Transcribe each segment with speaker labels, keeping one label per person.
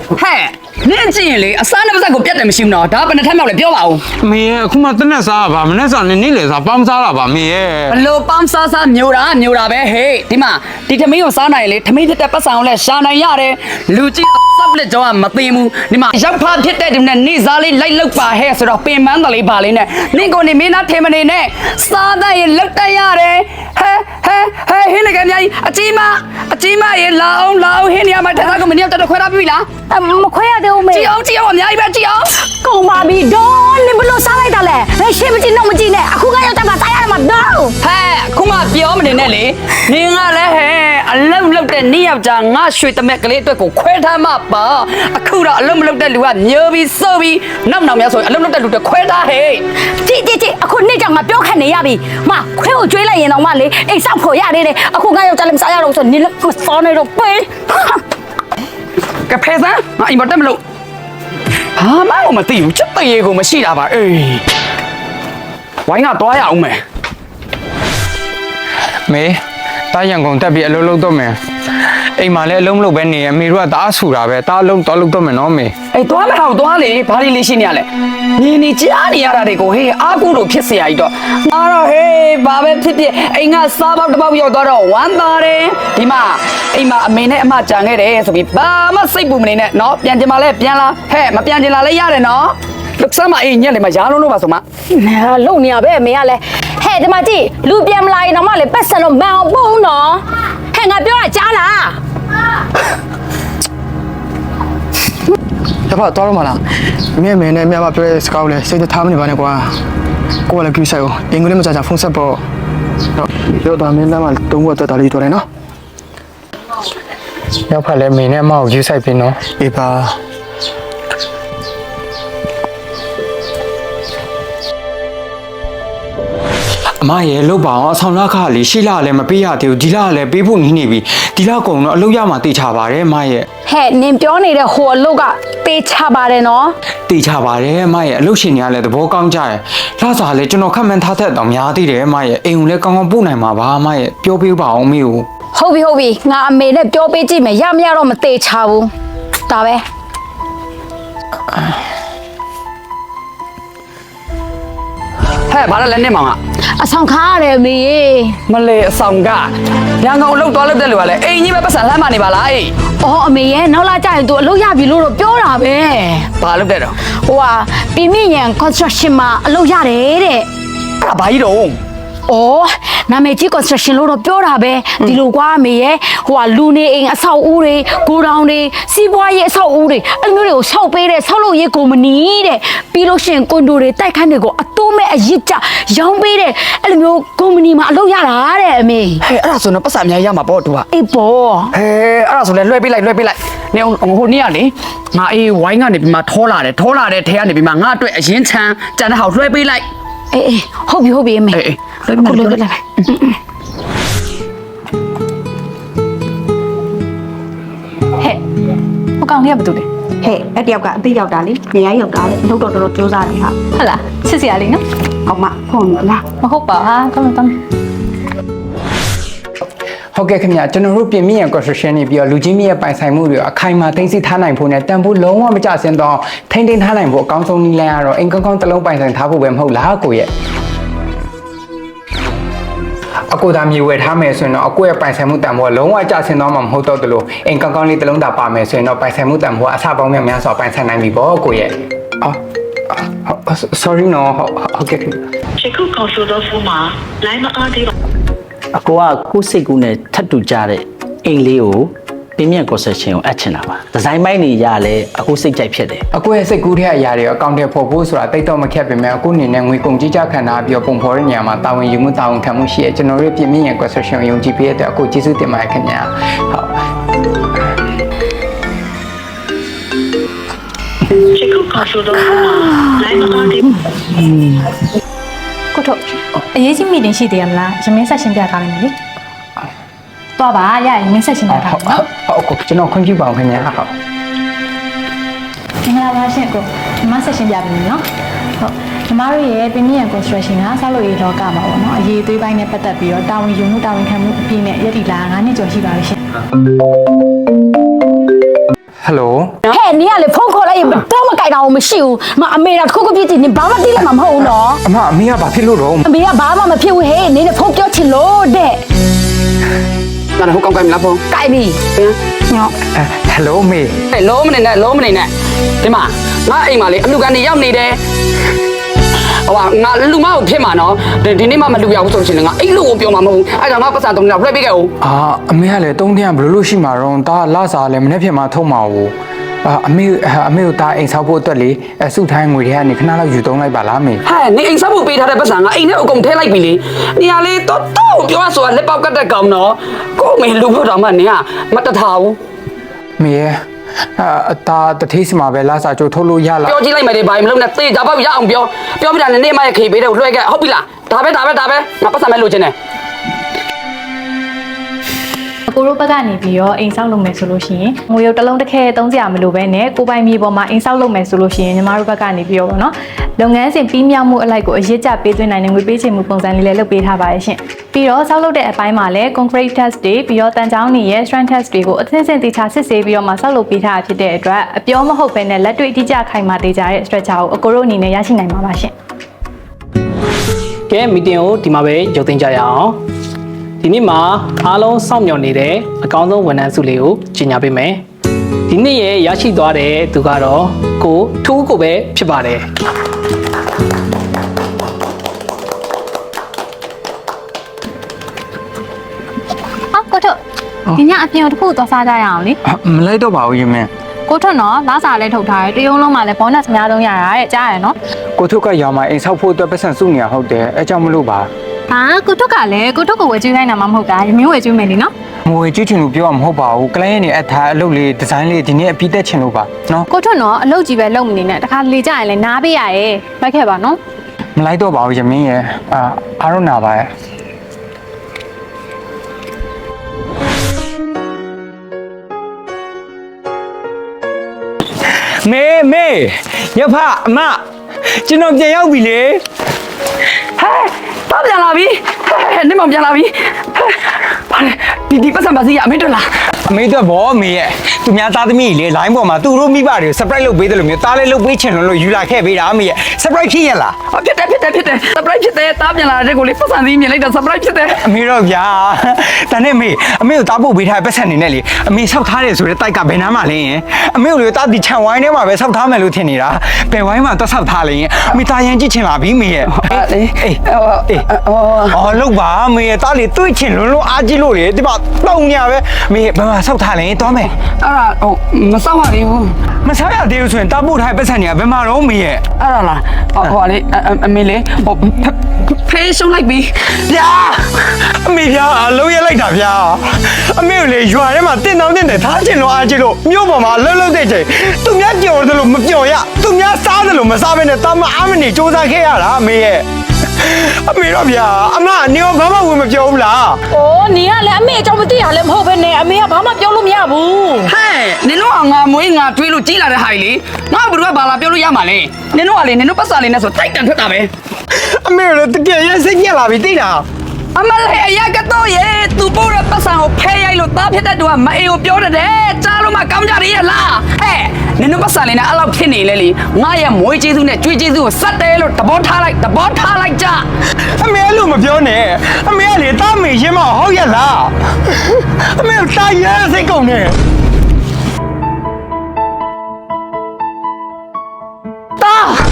Speaker 1: ဟဲ့နင်းကြည့်ရင်လေအစားနဲ့ပါဇက်ကိုပြတ်တယ်မရှိဘူးနော်ဒါဘယ်နှထက်မြောက်လဲပြောပါဦး
Speaker 2: မေရဲ့အခုမှတနက်စားပါမနေ့စားနေလေစားပေါင်းစားတာပါမေရဲ့
Speaker 1: ဘလို့ပေါင်းစားမျိုးတာပဲဟေးဒီမှာဒီထမင်းကိုစားနိုင်လေထမင်းဖြစ်တဲ့ပတ်စံကိုလည်းရှာနိုင်ရတယ်လူကြီးစောက်လက်ကြောကမသိဘူးဒီမှာရောက်ဖားဖြစ်တဲ့ဒီနဲ့နေစားလေးလိုက်လောက်ပါဟဲ့ဆိုတော့ပင်မန်းတလေးပါလေးနဲ့နင့်ကိုနေမင်းသားထေမနေနဲ့စားတဲ့ရင်လောက်တက်ရတယ်ဟဲဟင်းလည်းကများကြီးအကြီးမရေလာအောင်ဟင်းနေရာမှာတက်သားကိုမင်းရောက်တော့ခွဲထားပြီလား
Speaker 3: မခွဲရသေးဘူးမေ
Speaker 1: ကြည့်အောင်အများကြီးပဲကြည့်အောင်
Speaker 3: ကုန်ပါပြီဒေါ်နင်ဘလို့စားလိုက်တာလဲဘယ်ရှင်းမကြည့်တော့မကြည့်နဲ့အခုကရောက်တာမှစားရမှာတော့
Speaker 1: ဟဲ့ခုမှပြောမနေနဲ့လေနင်ကလည်းဟဲ့အလုံးလုံးတဲ့နေ့ယောက်ျားငါရွှေတမက်ကလေးအတွက်ကိုခွဲထားမှပါအခုတော့အလုံးမလုံးတဲ့လူကညိုပြီးစိုးပြီးနောက်များဆိုရင်အလုံးလုံးတဲ့လူတွေခွဲထားဟဲ့
Speaker 3: ကြည့်အခုနေ့ကြောင်ငါပြောခက်နေရပြီမခွဲကိုကျွေးလိုက်ရင်တော့မလေအိမ်ဆောက်ဖို့ရသေးတယ်အခုငါရောက်ကြလည်းမစားရတော့ဆိုနင်လည်းမစောနေတော့ပေး
Speaker 1: ကဖဲစမ်းငါအိမ်မတက်မလို့ဘာမှမသိဘူးချက်တရေကိုမရှိတာပါအေးဝိုင်းကတွားရအောင်မယ်
Speaker 2: မေတားရန်ကုန်တက်ပြီးအလုံးလုံးတော့မယ်အိမ်မှာလည်းအလုံးမလုပ်ပဲနေရမေတို့ကတားဆူတာပဲတားလုံးတော့လုပ်တော့မယ်နော်မေ
Speaker 1: အေးတွားမအောင်တွားလေဘာလေးလေးရှိနေရလဲနေကြားနေရတာတွေကိုဟေးအားကူလို့ဖြစ်เสียရည်တော့အားတော့ဟေးဘာပဲဖြစ်အိမ်ကစားပေါက်တစ်ပေါက်ရောက်တော့ဝမ်းသာတယ်ဒီမှာအိမ်မှာအမေနဲ့အမကြံခဲ့တယ်ဆိုပြီးဘာမှစိတ်ပူမနေနဲ့နော်ပြန်ကျင်ပါလဲပြန်လာဟဲ့မပြန်ကျင်လာလဲရတယ်နော်လုဆမ်းမအေးညက်လေမရားလုံးလို့ပါဆိုမ
Speaker 3: လုံနေရပဲမေကလည်းဟဲ့ဒီမှာကြည့်လူပြန်မလာရင်တော့မလေပတ်စံတော့မအောင်ပုံနော်ဟဲ့ငါပြောတာကြားလား
Speaker 4: ရပါတော့မလားမြဲနဲ့မြမပြောတဲ့စကားကိုလည်းစိတ်ထားမနေပါနဲ့ကွာကိုကလည်းကြည့်ဆိုင်ကိုအင်္ဂလိပ်မကြဖုန်းဆက်ပေါ့တော့တော့မင်းသားမတုံးဝတ်တက်တာလေးတွေ့တယ်နော်
Speaker 2: ရောက်ဖက်လဲမေနဲ့အမကိုယူဆိုင်ပြီနော်
Speaker 4: အေးပါ
Speaker 2: အမရဲ့လုတ်ပါအောင်အဆောင်လက်ခါလေးရှိလာလည်းမပေးရသေးဘူးဒီလကလည်းပေးဖို့နေပြီဒီလကုံတော့အလုပ်ရမှာတေချာပါတယ်အမရဲ့
Speaker 3: ဟဲ့နင်ပြောနေတဲ့ဟိုအလုပ်ကတေချာပါတယ်နော်
Speaker 2: တေချာပါတယ်အမရဲ့အလုပ်ရှင်တွေကလည်းသဘောကောင်းကြတယ်လှစားလည်းကျွန်တော်ခက်မှန်းထားတတ်တော့များသေးတယ်အမရဲ့အိမ်ကိုလည်းကောင်းကောင်းပို့နိုင်မှာပါအမရဲ့ပြောပေးပါအောင်မေကို
Speaker 3: ဟုတ်ပြီငါအမေနဲ့ပြောပေးကြည့်မယ်ရမရတော့မတေချာဘူးဒါပဲ
Speaker 1: ဟဲ့ဘာလဲနေမောင်
Speaker 3: ကအဆောင်ခါရတယ်အမေ
Speaker 1: မလေအဆောင်ကရန်ကုန်အလုပ်သွားလုပ်တဲ့လူကလည်းအိမ်ကြီးပဲပတ်စံလှမ်းမနေပါလားအေး
Speaker 3: အော်အမေရဲ့နောက်လာကြရင်သူအလုပ်ရပြီလို့တော့ပြောတာပဲ
Speaker 1: ဘာလုပ်တဲ့တော့
Speaker 3: ဟိုကပြင်းရန် construction မှာအလုပ်ရတယ်တဲ့
Speaker 1: အဲ့ဒါဘာကြီးတော့
Speaker 3: အော်နာမည်ကြီး construction လို့တော့ပြောတာပဲဒီလိုကွာအမေရဲ့ဟိုကလူနေအိမ်အဆောက်အဦတွေဂိုဒေါင်တွေစီးပွားရေးအဆောက်အဦတွေအဲ့လိုမျိုးတွေကိုဆောက်ပေးတဲ့ဆောက်လုပ်ရေးကုမ္ပဏီတဲ့ပြီးလို့ရှိရင်ကွန်ဒိုတွေတိုက်ခန်းတွေကိုအတိုးမဲ့အရစ်ကြရောင်းပေးတဲ့အဲ့လိုမျိုးကုမ္ပဏီမှာအလုပ်ရတာတဲ့အမေ
Speaker 1: ဟဲ့အဲ့ဒါဆိုတော့ပတ်စံအများကြီးရမှာပေါ့သူက
Speaker 3: အေးပေါ့
Speaker 1: ဟဲ့အဲ့ဒါဆိုလဲလွှဲပေးလိုက်နေဟိုနေ့ကလေငါအေးဝိုင်းကနေပြီးမှထောလာတယ်ထဲကနေပြီးမှငါအတွက်အရင်ချမ်းကြံတဲ့ဟောက်လွှဲပေးလိုက်
Speaker 3: အေးဟုတ်ပြီအမေ
Speaker 1: အေးလွှဲလိုက်ဟဲ့
Speaker 3: ဟိုကောင်လေးကဘာတူလဲ
Speaker 5: ဟဲ့အဲ့တယောက်ကအသိရောက်တာလေနေရာရောက်တာလေနှုတ်တော်တော်ကြိုးစားတယ်ဟာ
Speaker 3: ဟုတ်လားချစ်စရာလေးနော်
Speaker 5: အောင်မဖုန်းလား
Speaker 3: မဟုတ်ပါဟာတောင်း
Speaker 2: ဟုတ်ကဲ့ခင်ဗျာကျွန်တော်တို့ပြင်မြင့်ရ construction နေပြီးတော့လူချင်းမြင့်ပိုင်ဆိုင်မှုတွေအခိုင်အမာသိသိထားနိုင်ဖို့နဲ့တန်ဖိုးလုံးဝမကျဆင်းတော့ထိန်းသိမ်းထားနိုင်ဖို့အကောင်းဆုံးနည်းလမ်းကတော့အိမ်ကောင်းတစ်လုံးပိုင်ဆိုင်ထားဖို့ပဲမဟုတ်လားကိုရဲ့အကိုသားမြေဝယ်ထားမယ်ဆိုရင်တော့အကိုရဲ့ပိုင်ဆိုင်မှုတန်ဖိုးကလုံးဝကျဆင်းတော့မှမဟုတ်တော့တယ်လို့အိမ်ကောင်းလေးတစ်လုံးသာပါမယ်ဆိုရင်တော့ပိုင်ဆိုင်မှုတန်ဖိုးအဆပေါင်းများစွာပိုင်ဆိုင်နိုင်ပြီပေါ့ကိုရဲ့sorry နော်ဟုတ်ကဲ့ခင်ဗျာ
Speaker 6: 这个告诉的驸马来嘛阿弟
Speaker 7: အကိုကကိုစိတ်ကူးနဲ့ထပ်တူကြတဲ့အိမ်လေးကိုပြင်းပြ concession ကိုအပ်ချင်တာပါဒီဇိုင်းပိုင်းတွေရလဲအကိုစိတ်ကြိုက်ဖြစ်တယ်
Speaker 2: အကိုရဲ့စိတ်ကူးတဲ့အရာတွေအကောင့်ထဲပေါ်ဖို့ဆိုတာတိတ်တော့မခက်ပေမဲ့အကိုအနေနဲ့ငွေကုန်ကြီးကြခံထားပြီးပုံဖော်တဲ့နေရာမှာတာဝန်ယူမှုတာဝန်ခံမှုရှိရကျွန်တော်တို့ပြင်မြင့်ရ concession ကိုယုံကြည်ပေးတဲ့အတွက်အကိုကျေးဇူးတင်ပါတယ်ခင်ဗျာဟုတ်
Speaker 6: 这个告诉的驸马来嘛阿弟
Speaker 5: ကိုထုတ်အရေးကြီးမီတင်ရှိသေးရမလားရမင်းဆက်ရှင်းပြထားလိုက်မယ်လေသွားပါရရင်မင်းဆက်ရှင်းပြထားပါ
Speaker 2: ဟုတ်ကိုကျွန်တော်ခွင့်ပြုပါအောင်ခင်ဗျာဟုတ်
Speaker 5: မင်္ဂလာပါရှင်ကိုဒီမှာဆက်ရှင်းပြပြီနော်ဟုတ်ညီမတို့ရဲ့ပြင်းပြ construction ကဆောက်လုပ်ရေးလောကမှာပေါ့နော်အရေးသွေးပိုင်းနဲ့ပတ်သက်ပြီးတော့တာဝန်ယူမှုတာဝန်ခံမှုအပြည့်နဲ့ရည်တည်လာ9နှစ်ကျော်ရှိပါပြီရှင်
Speaker 2: ဟဟယ်လို
Speaker 3: ဟဲ့နင်ကလေဖုန်းခေါ်လိုက်ရင်တော့မကြိုက်တာကိုမရှိဘူးမအမေကတစ်ခုခုဖြစ်ချင်နင်ဘာမှသိလိုက်မှာမဟုတ်ဘူးနော်
Speaker 2: အမေကဘာဖြစ်လို့တော့
Speaker 3: အမေကဘာမှမဖြစ်ဘူးဟဲ့နင်နဲ့ဖုန်းပြောချင်လို့တဲ့
Speaker 1: ငါတို့ကောင်းကိုင်းမလားဖုန်း
Speaker 3: ကြိုက်ပြီညော
Speaker 2: ဟယ်လိုမေ
Speaker 1: လုံးမနေနဲ့လုံးမနေနဲ့ဒီမှာငါအိမ်မှာလေအလူကနေရောက်နေတယ်ဟိုကငါလူမကိုဖြစ်မှာနော်ဒီနေ့မှမလူရဘူးဆိုလို့ရှိရင်ငါအဲ့လူကိုပြောမှာမဟုတ်ဘူးအဲ့ဒါငါပတ်စံတုံးတော့လွှဲပေးခဲ့ဦး
Speaker 2: အမေကလည်း3天ဘယ်လိုရှိမှာတော့ဒါလစားလည်းမနေ့ဖြစ်မှာထုတ်မှာဘူးအမေကိုဒါအိမ်ဆောက်ဖို့အတွက်လေစုထိုင်းငွေတွေကနေခဏလောက်ယူသုံးလိုက်ပါလားမေ
Speaker 1: ဟဲ့နေအိမ်ဆောက်ဖို့ပေးထားတဲ့ပတ်စံငါအိမ်ထဲအကုန်ထည့်လိုက်ပြီလေနေရာလေးတော့ပြောရဆိုတာလက်ပေါက်ကတ်တဲ့ကောင်နော်ကိုမေလူဖို့တော့မှနေကမတထားဘူး
Speaker 2: မေရဲ့ဒါတထေးစီမှာပဲလစားကြိုထုတ်လို့ရလား
Speaker 1: ပြောကြည့်လိုက်မယ်ဒီဘာမလုပ်နဲ့သေချာပေါက်ရအောင်ပြောပြတာနဲ့မရခေပေးတယ်လွှဲခဲ့ဟုတ်ပြီလားဒါပဲငါပတ်စံမဲ့လိုချင်တယ်
Speaker 5: ကိုရိုးဘက်ကနေပြီးတော့အိမ်ဆောက်လုပ်မယ်ဆိုလို့ရှိရင်ငွေရုပ်တစ်လုံးတစ်ခဲသုံးစရာမလိုပဲနဲ့ကိုပိုင်မြေပေါ်မှာအိမ်ဆောက်လုပ်မယ်ဆိုလို့ရှိရင်ညီမတို့ဘက်ကနေပြီးတော့ပေါ့နော်လုပ်ငန်းစဉ်ပြီးမြောက်မှုအလိုက်ကိုအရေးကြပေးသွင်းနိုင်တဲ့ငွေပေးချေမှုပုံစံလေးလည်းလုပ်ပေးထားပါတယ်ရှင်ပြီးတော့ဆောက်လုပ်တဲ့အပိုင်းမှာလည်း concrete test တွေပြီးတော့တန်ချောင်းတွေရဲ့ strength test တွေကိုအသင်းစင်တေချာစစ်ဆေးပြီးတော့မှဆောက်လုပ်ပေးထားတာဖြစ်တဲ့အတွက်အပြောမဟုတ်ပဲနဲ့လက်တွေ့အတိအကျခိုင်မာတေချာတဲ့ structure ကိုအကိုတို့အနေနဲ့ရရှိနိုင်မှာပါရှင်
Speaker 8: ကဲမီတင်ကိုဒီမှာပဲရုပ်သိမ်းကြရအောင်ဒီနေ့မှာအားလုံးစောင့်မျှော်နေတဲ့အကောင်းဆုံးဝန်ထမ်းစုလေးကိုကြီးညာပေးမယ်ဒီနေ့ရဲ့ရရှိသွားတဲ့သူကတော့ကိုထူးကိုပဲဖြစ်ပါတယ်
Speaker 5: ကိုထွတ်ဒီညအပြင်ကိုတစ်ခုသွားစားကြရအောင်လေ
Speaker 2: မလိုက်တော့ပါဘူးရင်မင်း
Speaker 5: ကိုထွတ်နော်လာစားလဲထုတ်ထားတယ်တရုံးလုံးမှာလည်း bonus အများဆုံးရတာတဲ့ကြားရနော်
Speaker 2: ကိုထုတ်ကရောင်မှာအိမ်ဆောက်ဖို့အတွက်ပတ်စံစုနေရဟုတ်တယ်အဲကြောင့်မလို့ပါ
Speaker 5: ဟာကိုထွတ်ကလည်းကိုထွတ်ကိုဝယ်ကျွေးခိုင်းတာမှမဟုတ်တာမျိုးဝယ်ကျွေးမယ်လေနော်
Speaker 2: မွေကြည့်ချင်လို့ပြောမှာမဟုတ်ပါဘူးကလိုင်းရဲ့နေအထားအလုပ်လေးဒီဇိုင်းလေးဒီနေ့အပြီးတက်ချင်လို့ပါနော်
Speaker 5: ကိုထွတ်နော်အလုပ်ကြီးပဲလုပ်မနေနဲ့တခါလေကြရင်လည်းနားပေးရရဲ့လိုက်ခဲ့ပါနော်
Speaker 2: မလိုက်တော့ပါဘူးရင်မင်းရဲ့အားတော့နာပါရဲ့မေရဖအမကျွန်တော်ပြန်ရောက်ပြီလေ
Speaker 1: ဟဲ့တော့ပြန်လာပြီဟဲ့နေမပြန်လာပြီဘာလဲဒီပတ်စံပါစီရအမေတို့လား
Speaker 2: အမေတို့ဘောမေရဲ့သူများသားသမီးကြီးလေ line ပေါ်မှာသူတို့မိဘတွေကို surprise လုပ်ပေးတယ်လို့မျိုးသားလေးလုပ်ပေးချင်လို့ယူလာခဲ့ပေးတာအမေရဲ့ surprise ဖြစ်ရလား
Speaker 1: ဖြစ်တယ် surprise ဖြစ်တယ်တားပြန်လာတဲ့ကိုလေးပတ်စံစီမြင်လိုက်တာ surprise ဖြစ်တယ်
Speaker 2: အမေတော့ဗျာဒါနဲ့အမေကိုတားဖို့ပေးထားတဲ့ပတ်စံနေနဲ့လေအမေဆောက်ထားတယ်ဆိုတဲ့တိုက်ကဘယ်နားမှာလဲရင်အမေကိုလေတားဒီခြံဝိုင်းထဲမှာပဲဆောက်ထားမယ်လို့ထင်နေတာဘယ်ဝိုင်းမှာတက်ဆောက်ထားလဲရင်အမေတားရင်ကြည့်ချင်လာပြီမေရဲ့လောက်ပါမေရဲ့တားလေတွေးချင်လို့အားကြီးလို့လေဒီမှာတောင်းညာပဲမေဘယ်မှာဆောက်ထားလဲသွားမယ်
Speaker 1: အဲ့ဒါမစောက်ရသေးဘူး
Speaker 2: မဆောက်ရသေးဘူးဆိုရင်တားဖို့ထားတဲ့ပတ်စံတွေကဘယ်မှာတော့မေရဲ့
Speaker 1: အဲ့ဒါလားဟိုလေအမေလေးဖေးရှုံးလိုက်ပြီ
Speaker 2: ဗျာအမေဗျာအလုံးရလိုက်တာဗျာအမေကိုလေရွာထဲမှာတင်းတောင်းတင်းတယ်ထားချင်လို့အားကြီးလို့မြို့ပေါ်မှာလှုပ်တဲ့ချိန်သူများကြော်တယ်လို့မကြော်ရသူများစားတယ်လို့မစားဘဲနဲ့တာမအားမနေစူးစမ်းခဲ့ရတာအမေရဲ့အမေတော့ဗျာအမနေရောဘာမှဝင်မပြောဘူးလား
Speaker 3: အိုးနင်ကလည်းအမေအကြောင်းမသိရလဲမဟုတ်ပဲနဲ့အမေကဘာမှပြောလို့မရဘူး
Speaker 1: ဟဲ့နင်တို့ကငါမွေးငါတွေးလို့ကြီးလာတဲ့ဟာကြီးလေငါဘယ်သူကဘာလာပြောလို့ရမှာလဲနင်တို့ကလေနင်တို့ပတ်စံလေးနဲ့ဆိုတိုက်တန်ထွက်တာပဲ
Speaker 2: အမေလည်းတကယ်ရစိတ်ညက်လာပြီသိလား
Speaker 1: အမလေးအရာကတော့ရေသူပို့တဲ့ပတ်စံကိုဖဲရိုက်လို့တားဖြစ်တဲ့သူကမအေကိုပြောတယ်ကြားလို့မှကောင်းကြရလားဟဲ့နင်တို့ပတ်စံလေးနဲ့အဲ့လောက်ဖြစ်နေလေလေငါရဲ့မွေးကျေးဇူးနဲ့ကြွေးကျေးဇူးကိုစက်တယ်လို့သဘောထားလိုက်ကြ
Speaker 2: အမေအဲ့လိုမပြောနဲ့အမေကလေတာမေရင်မဟုတ်ရလားအမေကိုတာရစိတ်ကုန်နေ
Speaker 1: တာ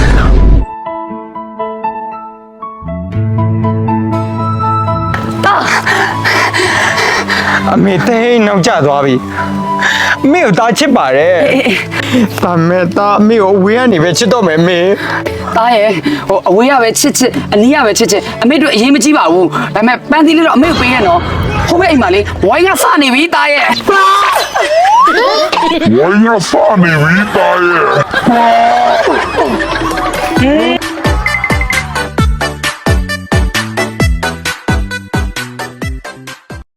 Speaker 2: အမေတိတ်နောက်ကျသွားပြီအမေကိုတာချစ်ပါတယ်ဒါမဲ့တာအမေကိုအဝေးကနေပဲချစ်တော့မယ်အမေ
Speaker 1: တားရဲ့ဟိုအဝေးရပဲချစ်အနီးရပဲချစ်အမေတို့အရင်မကြည့်ပါဘူးဒါပေမဲ့ပန်းသီးလေးတော့အမေကိုပေးရနော်ဟိုဘက်အိမ်မှာလေဝိုင်းကစနေပြီတားရဲ့
Speaker 9: 我要放你一巴耶！